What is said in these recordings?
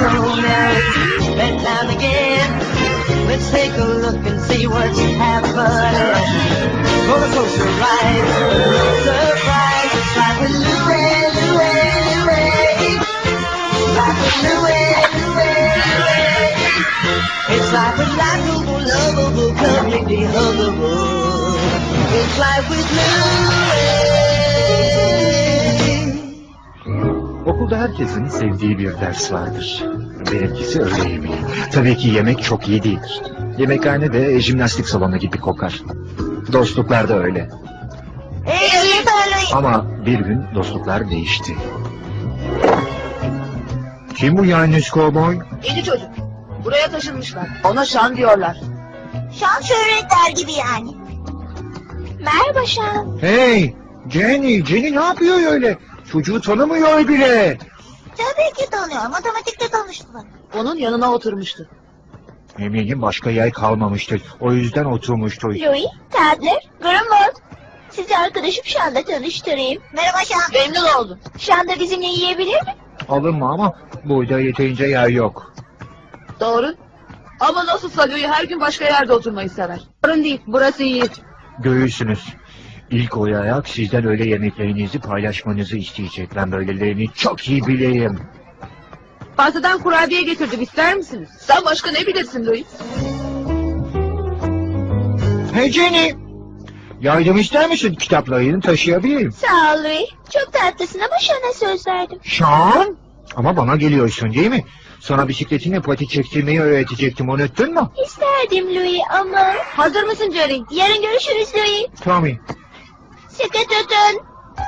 romance. And now again, let's take a look and see what's happening. Roller coaster ride, no surprise. It's like with Louie, Louie, Louie. Like with Louie, Louie, Louie. It's like with likable, lovable, completely huggable. It's like with Louie. Okulda herkesin sevdiği bir ders vardır. Benimkisi öğle yemeği. Tabii ki yemek çok iyi değildir. Yemekhane de jimnastik salonu gibi kokar. Dostluklar da öyle. Ama bir gün dostluklar değişti. Kim bu yalnız kovboy? Yeni çocuk. Buraya taşınmışlar. Ona Şan diyorlar. Şan şöhretler gibi yani. Merhaba Şan. Hey! Jenny ne yapıyor öyle? Çocuğu tanımıyor bile. Tabii ki tanıyor. Matematikte tanıştılar. Onun yanına oturmuştu. Eminim başka yer kalmamıştır. O yüzden oturmuştu. Louis, Tadler, Grumble. Sizi arkadaşım Şan'la tanıştırayım. Merhaba Şan. Memnun oldum. Şan da bizimle yiyebilir mi? Alınma ama burada yeterince yer yok. Doğru. Ama nasılsa Louis her gün başka yerde oturmayı sever. Sorun değil. Burası iyi. Görürsünüz. İlk olarak sizden öyle yemeklerinizi paylaşmanızı isteyecek. Ben böylelerini çok iyi bileyim. Fazladan kurabiye getirdim. İster misiniz? Sen başka ne bilirsin Louis? Hey Jenny! Yardım ister misin? Kitaplarını taşıyabilirim. Sağ ol Louis. Çok tatlısın ama Şan'a söz verdim. Sean? Ama bana geliyorsun değil mi? Sana bisikletinle pati çektirmeyi öğretecektim, unuttun mu? İsterdim Louis ama... Hazır mısın Jerry? Yarın görüşürüz Louis. Tommy. Sıkı tutun.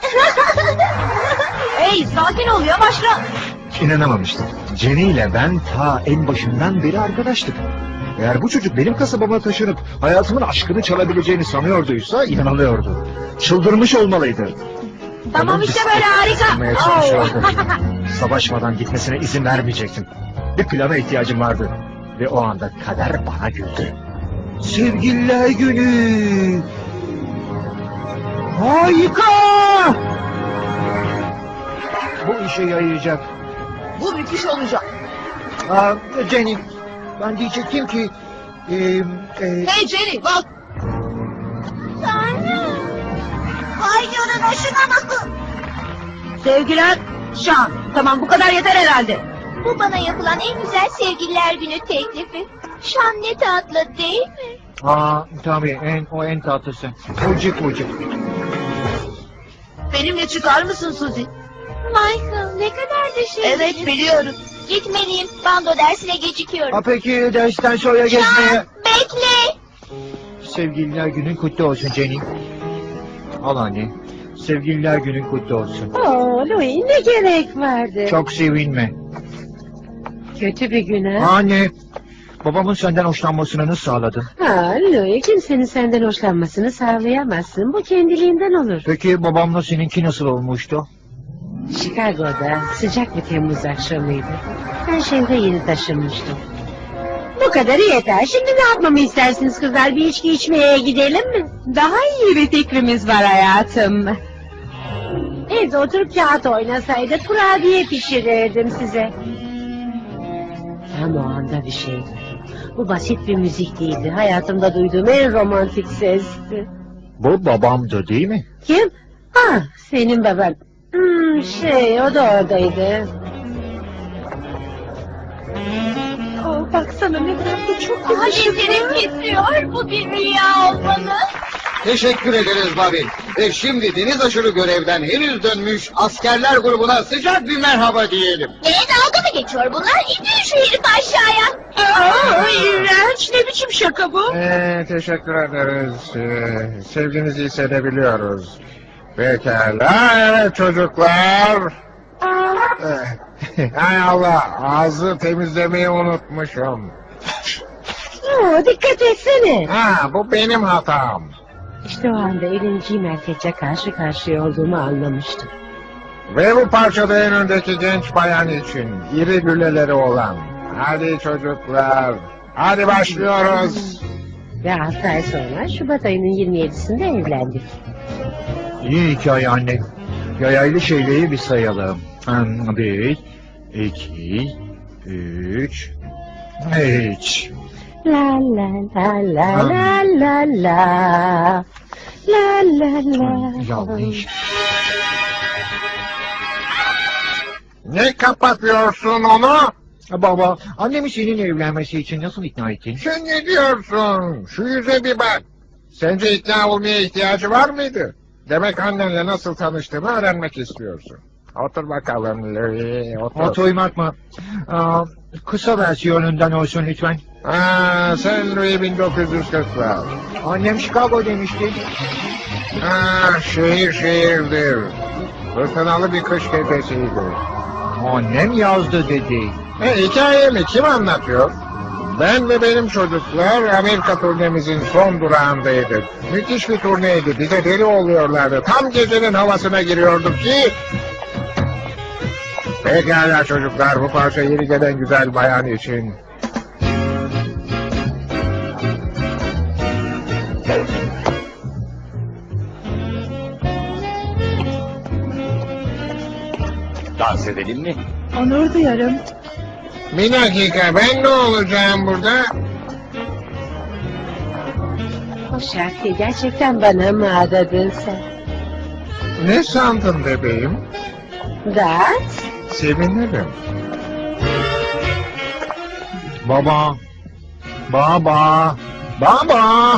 Hey sakin ol yavaşla. İnanamamıştım. Jenny ile ben ta en başından beri arkadaştık. Eğer bu çocuk benim kasabama taşınıp hayatımın aşkını çalabileceğini sanıyorduysa inanılıyordu. Çıldırmış olmalıydı. Tamam işte böyle Isırmaya harika. çalışıyordu. Savaşmadan gitmesine izin vermeyecektim. Bir plana ihtiyacım vardı. Ve o anda kader bana güldü. Sevgililer günü! Harika! Bu işe yarayacak. Bu müthiş olacak. Jenny, ben diyecektim ki... Hey Jenny bak. Tanrım. Vay canına şuna bakın. Sevgiler Şan. Tamam bu kadar yeter herhalde. Bu bana yapılan en güzel sevgililer günü teklifi. Şan ne tatlı değil mi? Tabii en tatlısı. Ucuk. Benimle çıkar mısın Suzy? Michael ne kadar da şey. Evet biliyorum. Gitmeliyim. Bando dersine gecikiyorum. Peki dersten sonra gezmeye... Şan bekle. Sevgililer günün kutlu olsun Jenny. Al anne. Sevgililer günün kutlu olsun. Louis ne gerek vardı? Çok sevinme. Kötü bir gün ha? Anne. Babamın senden hoşlanmasını nasıl sağladın? Louis kimsenin senden hoşlanmasını sağlayamazsın. Bu kendiliğinden olur. Peki babamla seninki nasıl olmuştu? Chicago'da sıcak bir Temmuz akşamıydı. Ben şehre yeni taşınmıştım. Bu kadarı yeter. Şimdi ne yapmamı istersiniz kızlar? Bir içki içmeye gidelim mi? Daha iyi bir fikrimiz var hayatım. Evde oturup kağıt oynasaydık kurabiye pişirirdim size. Tam o anda bir şeydi. Bu basit bir müzik değildi. Hayatımda duyduğum en romantik sesti. Bu babamdı değil mi? Kim? Senin baban. O da oradaydı. Baksana ne tatlı çok Alemlerim titriyor. Bu bir rüya olmalı. Teşekkür ederiz Bobby. Ve şimdi deniz aşırı görevden henüz dönmüş askerler grubuna sıcak bir merhaba diyelim. Dalga mı geçiyor bunlar? İndirin şu herifi aşağıya. İğrenç, ne biçim şaka bu? Teşekkür ederiz. Sevginizi hissedebiliyoruz. Pekala, evet çocuklar. Hay Allah, ağzı temizlemeyi unutmuşum. Dikkat etsene. Bu benim hatam. İşte o anda elinci merkezle karşı karşıya olduğumu anlamıştım. Ve bu parçada en öndeki genç bayan için iri gülleleri olan. Hadi çocuklar, hadi başlıyoruz. Ve 6 ay sonra Şubat ayının 27'sinde evlendik. İyi hikaye anne. Yayaylı şeyleri bir sayalım. 1, 2, 3. Hiç. La la la la la la la. La la la. Yanlış. Ne kapatıyorsun onu? Baba, annemi seninle evlenmesi için nasıl ikna ettin? Sen ne diyorsun? Şu yüze bir bak. Sence ikna olmaya ihtiyacı var mıydı? Demek annenle nasıl tanıştığımı öğrenmek istiyorsun. Otur bakalım Louis, otur. Otoymak mı? Kısa versiyonundan olsun lütfen. Sen Louis 1940'lar. Annem Chicago demişti. Şehir şehirdir. Fırtınalı bir kış gecesiydi. Annem yazdı dedi. Hikayemi kim anlatıyor? Ben ve benim çocuklar Amerika turnemizin son durağındaydık. Müthiş bir turneydi. Bize deli oluyorlardı. Tam gecenin havasına giriyorduk ki... Pekala çocuklar, bu parça yeni gelen güzel bayan için. Dans edelim mi? Onur duyarım. Bir dakika, ben ne olacağım burada? O şarkıyı gerçekten bana mı adadın sen? Ne sandın bebeğim? Dans? Sevinirim. Baba. Baba. Baba.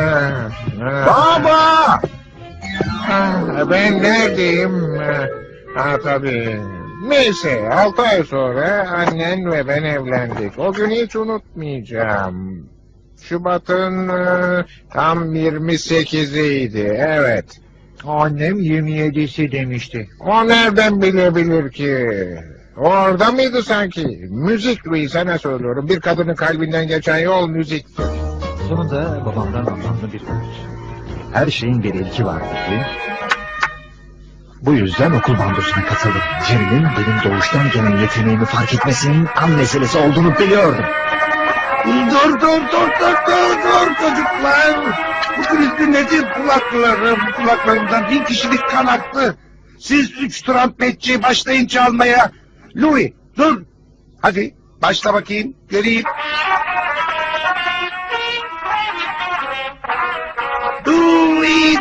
Baba! Ben neredeyim? Tabii. Neyse, 6 ay sonra annen ve ben evlendik. O günü hiç unutmayacağım. Şubat'ın tam 28'iydi, evet. Annem 27'si demişti. O nereden bilebilir ki? Orada mıydı sanki? Müzik Louis, sana söylüyorum. Bir kadının kalbinden geçen yol müziktir. Sonunda babamdan anlamlı bir öğüt. Her şeyin bir ilki var dedi. Bu yüzden okul bandosuna katıldım. Jerry'nin benim doğuştan gelen yeteneğimi fark etmesinin an meselesi olduğunu biliyordum. Dur çocuklar. Bu gürültü nedir kulaklarım? Kulaklarımdan 1000 kişilik kan aktı. Siz 3 trompetçi başlayın çalmaya. Louis dur. Hadi başla bakayım göreyim. Louis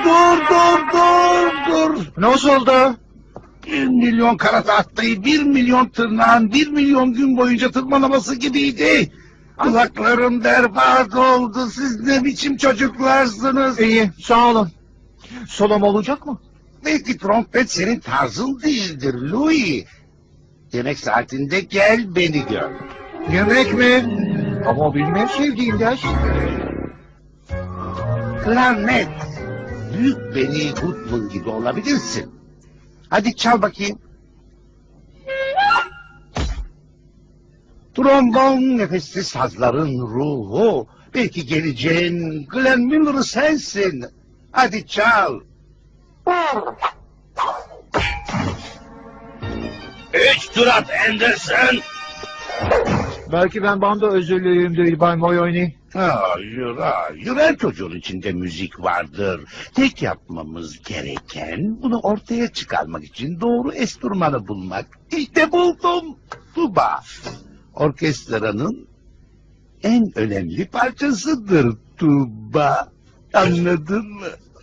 dur. Nasıldı? 1 milyon kara tahtayı 1 milyon tırnağın 1 milyon gün boyunca tırmalaması gibiydi. Kulaklarım berbat oldu. Siz ne biçim çocuklarsınız? İyi, sağ olun. Solom olacak mı? Belki trompet senin tarzın değildir Louis. Yemek saatinde gel beni gör. Yemek mi? Ama o benim en sevdiğim ders. Klarnet. Büyük Benny Goodman gibi olabilirsin. Hadi çal bakayım. Trombon nefessiz sazların ruhu. Belki geleceğin Glenn Miller sensin. Hadi çal. 3 Turat Anderson. Belki ben banda özürlüyümdür Bay Moyoni. Hayır, her çocuğun içinde müzik vardır. Tek yapmamız gereken bunu ortaya çıkarmak için doğru enstrümanı bulmak. İşte buldum. Tuba. Orkestranın en önemli parçasıdır tuba. Anladın mı?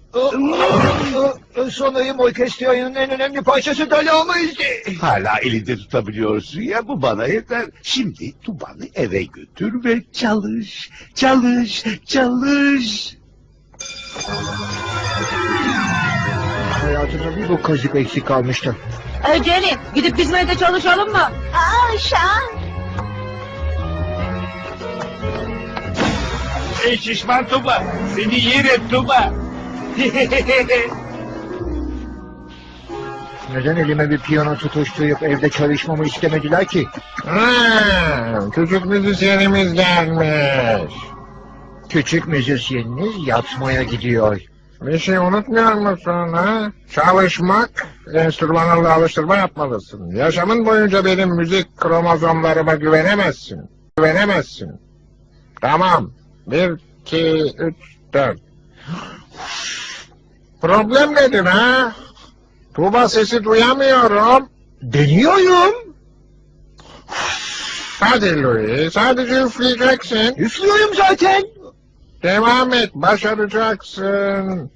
Sanayım orkestranın en önemli parçası Dalamayız'dı. Hala elinde tutabiliyorsun ya, bu bana yeter. Şimdi tubanı eve götür ve çalış. Hayatımda bir bu kazık eksik kalmıştı. Jerry gidip bizim evde çalışalım mı? Şan. Ey şişman Tuba. Seni yerim Tuba. Neden elime bir piyano tutuşturup evde çalışmamı istemediler ki? Küçük müzisyenimiz gelmiş. Küçük müzisyeniniz yatmaya gidiyor. Bir şey unutmuyor musun ha? Çalışmak, enstrümanlarla alıştırma yapmalısın. Yaşamın boyunca benim müzik kromozomlarıma güvenemezsin. Tamam. 1, 2, 3, 4. Problem nedir ha? Tuba sesi duyamıyorum. Deniyorum. Hadi Louis, sadece üfleyeceksin. Üflüyorum zaten. Devam et, başaracaksın.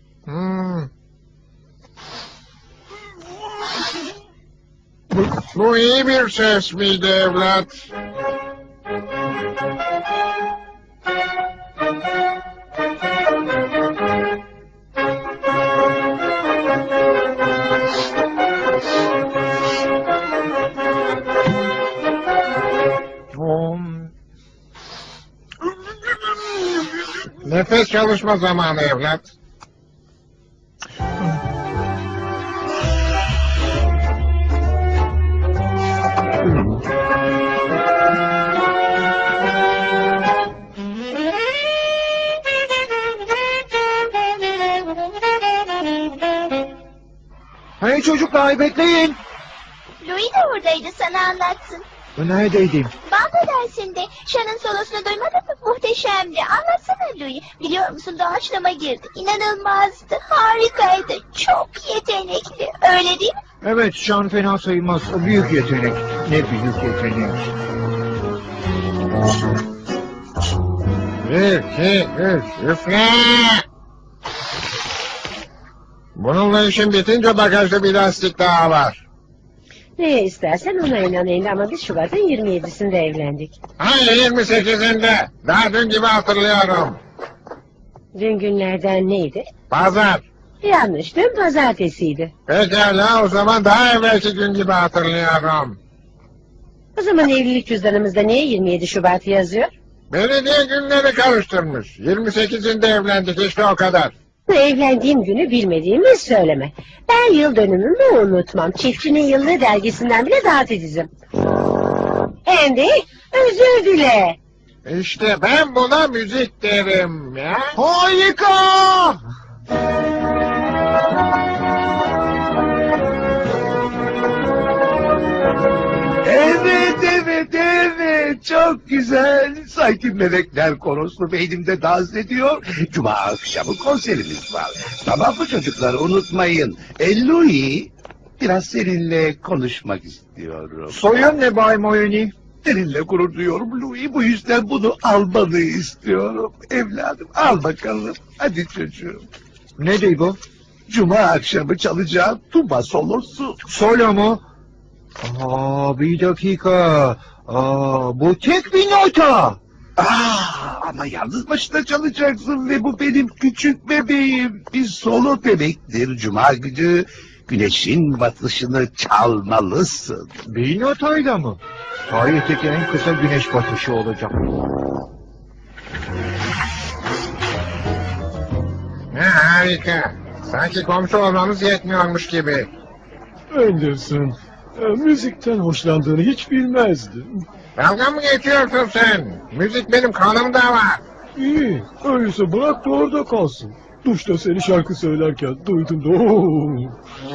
Bu iyi bir ses miydi evlat? Nefes çalışma zamanı evlat. Hey çocuklar bekleyin. Louis de oradaydı, sana anlatsın. Neredeydim? Bando dersinde Şan'ın solosunu duymadın mı? Muhteşemdi. Anlatsana Louis. Biliyor musun, doğaçlama girdi. İnanılmazdı. Harikaydı. Çok yetenekli. Öyle değil mi? Evet, şan fena sayılmaz. O büyük yetenek. Ne büyük yetenek. 1, 2, 3, üfle! Bununla işin bitince bagajda bir lastik daha var. Neye istersen ona inanayım ama biz Şubat'ın 27'sinde evlendik. Hayır, 28'inde. Daha dün gibi hatırlıyorum. Dün günlerden neydi? Pazar. Yanlış, dün pazartesiydi. Pekala, o zaman daha evvelki gün gibi hatırlıyorum. O zaman evlilik cüzdanımızda niye 27 Şubat yazıyor? Belediye günleri karıştırmış. 28'inde evlendik, işte o kadar. Evlendiğim günü bilmediğimi söyleme. Ben yıl dönümümü unutmam. Çiftçinin Yıllığı dergisinden bile daha titizim. Andy, özür dile. İşte ben buna müzik derim ya. Harika! Evet, çok güzel. Sanki melekler koroslu beynimde dans ediyor. Cuma akşamı konserimiz var. Tamam mı çocuklar, unutmayın. Louis, biraz seninle konuşmak istiyorum. Soyun ne Bay Moyoni? Seninle gurur duyuyorum Louis, bu yüzden bunu almanı istiyorum. Evladım, al bakalım. Hadi çocuğum. Ne değil bu? Cuma akşamı çalacağım tuba solosu. Solo mu? Bir dakika. Bu tek bir nota. Ama yalnız başına çalacaksın ve bu benim küçük bebeğim. Bir solo demektir. Cuma günü güneşin batışını çalmalısın. Bir notayla mı? Tarihteki en kısa güneş batışı olacak. Ne harika. Sanki komşu olmamız yetmiyormuş gibi. Anderson, müzikten hoşlandığını hiç bilmezdim. Dalga mı geçiyorsun sen? Müzik benim kanımda var. İyi, öyleyse bırak da orada kalsın. Duşta seni şarkı söylerken duydum da ooo.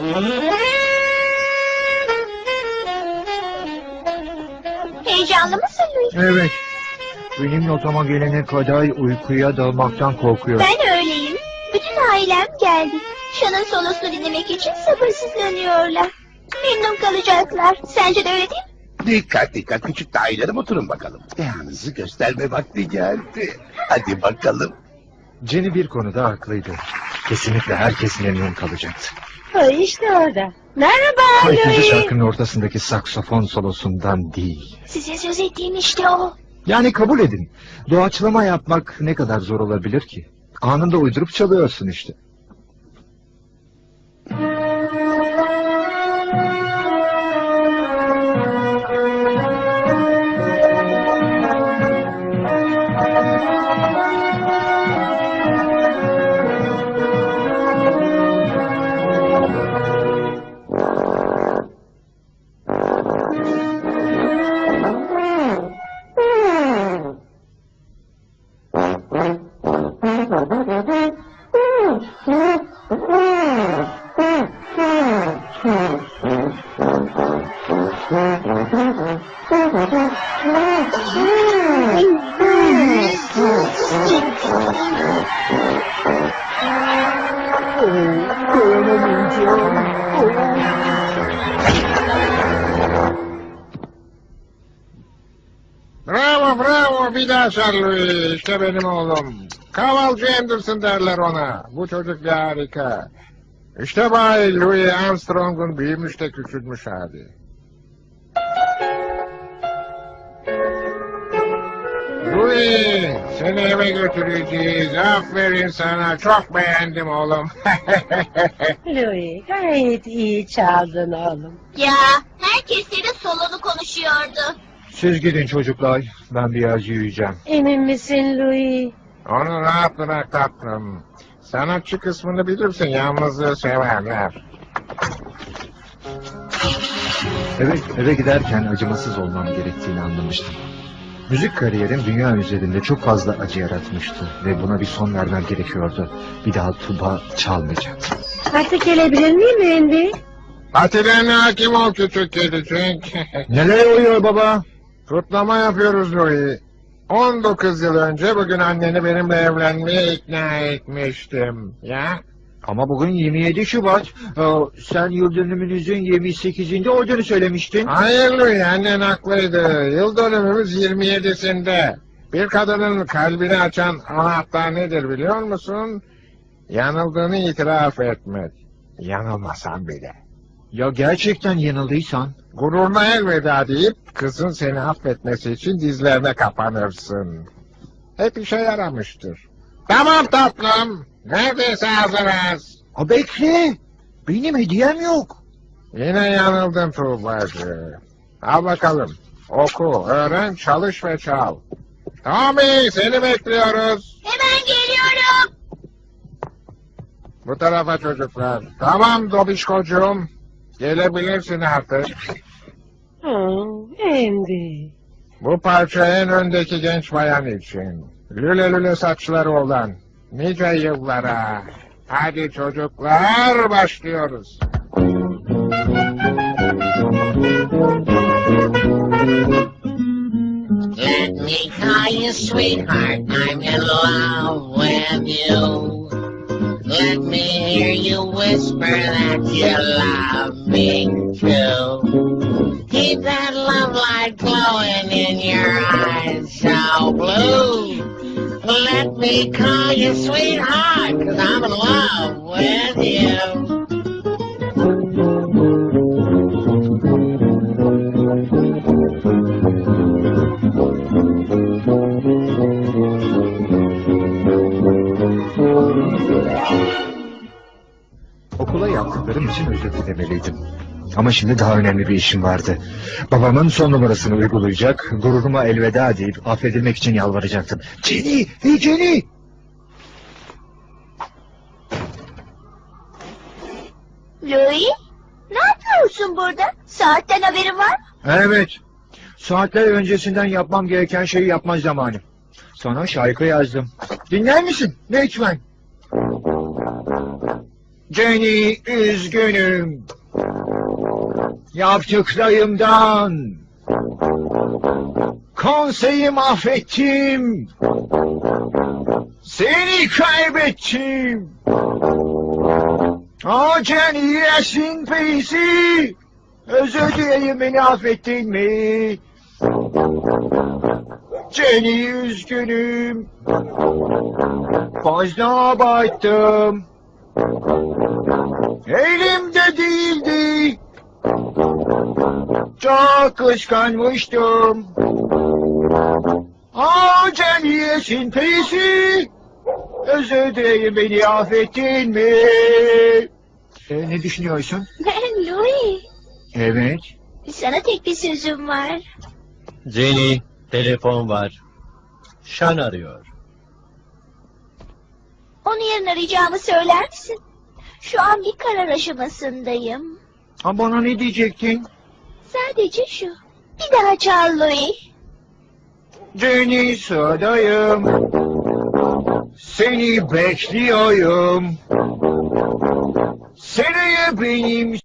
Heyecanlı mısın Louis? Evet. Benim notama gelene kadar uykuya dalmaktan korkuyorum. Ben öyleyim. Bütün ailem geldi. Şan'ın solosunu dinlemek için sabırsızlanıyorlar. Memnun kalacaklar. Sence de öyle değil mi? Dikkat küçük dailerim, oturun bakalım. Dehanızı gösterme vakti geldi. Hadi bakalım. Jenny bir konuda haklıydı. Kesinlikle herkes memnun kalacaktı. İşte orada. Merhaba İkinci Louis. şarkının ortasındaki saksafon solosundan değil. Size söz ettiğim işte o. Yani kabul edin. Doğaçlama yapmak ne kadar zor olabilir ki? Anında uydurup çalıyorsun işte. bir daha çal Louis. İşte benim oğlum. Kavalcı Anderson derler ona. Bu çocuk bir harika. İşte Bay Louis Armstrong'un büyümüş de küçülmüş hali. Louis, seni eve götüreceğiz. Aferin sana. Çok beğendim oğlum. Louis gayet iyi çaldın oğlum. Ya herkes senin solonu konuşuyordu. Siz gidin çocuklar. Ben biraz yürüyeceğim. Emin misin Louis? Onu rahat bırak tatlım. Sanatçı kısmını bilirsin. Yalnızlığı severler. Eve giderken acımasız olmam gerektiğini anlamıştım. Müzik kariyerim dünya üzerinde çok fazla acı yaratmıştı ve buna bir son vermem gerekiyordu. Bir daha tuba çalmayacaktım. Artık gelebilir miyim Andy? Patilerine hakim ol küçük kedicik. Neler oluyor baba? Kutlama yapıyoruz Louis. 19 yıl önce bugün anneni benimle evlenmeye ikna etmiştim. Ya? Ama bugün 27 Şubat. Sen yıl dönümünüzün 28'inde olduğunu söylemiştin. Hayır Louis, annen haklıydı. Yıl dönümümüz 27'sinde. Bir kadının kalbini açan anahtar nedir biliyor musun? Yanıldığını itiraf etmek. Yanılmasan bile. Ya gerçekten yanıldıysan? Gururuna elveda deyip kızın seni affetmesi için dizlerine kapanırsın. Hep işe yaramıştır. Tamam tatlım. Neredeyse hazırız. Bekle. Benim hediyem yok. Yine yanıldın Tuğbacı. Al bakalım. Oku, öğren, çalış ve çal. Tommy, seni bekliyoruz. Hemen geliyorum. Bu tarafa çocuklar. Tamam Dobişkocuğum. Gelebilirsin artık. Andy. Bu parça en öndeki genç bayan için. Lüle lüle saçları olan. Nice yıllara. Hadi çocuklar, başlıyoruz. Let me call you sweetheart, I'm in love with you. Let me hear you whisper that you love me too. Keep that love light glowing in your eyes so blue. Let me call you sweetheart, 'cause I'm in love with you. Okula yaptıklarım için özür dilemeliydim. Ama şimdi daha önemli bir işim vardı. Babamın son numarasını uygulayacak, gururuma elveda deyip affedilmek için yalvaracaktım. Jenny! Hey Jenny! Louis, ne yapıyorsun burada? Saatten haberin var mı? Evet. Saatler öncesinden yapmam gereken şeyi yapma zamanı. Sana şarkı yazdım. Dinler misin? Lütfen. Jenny, üzgünüm. Yaptıklarımdan. Konseyi mahvettim. Seni kaybettim. Jenny, yaşın peysi. Özür dilerim, beni affettin mi? Jenny, üzgünüm. Fazla abarttım. Elimde değildi. Çok kıskanmıştım. Jenny, yaşın peysi. Özür dilerim, beni affettin mi? Ne düşünüyorsun? Louis, Evet. sana tek bir sözüm var. Jenny, telefon var. Şan arıyor. Onu yarın arayacağımı söyler misin? Şu an bir karar aşamasındayım. Bana ne diyecektin? Sadece şu. Bir daha çal Louis. Jenny, sıradayım. Seni bekliyorum. Seneye benim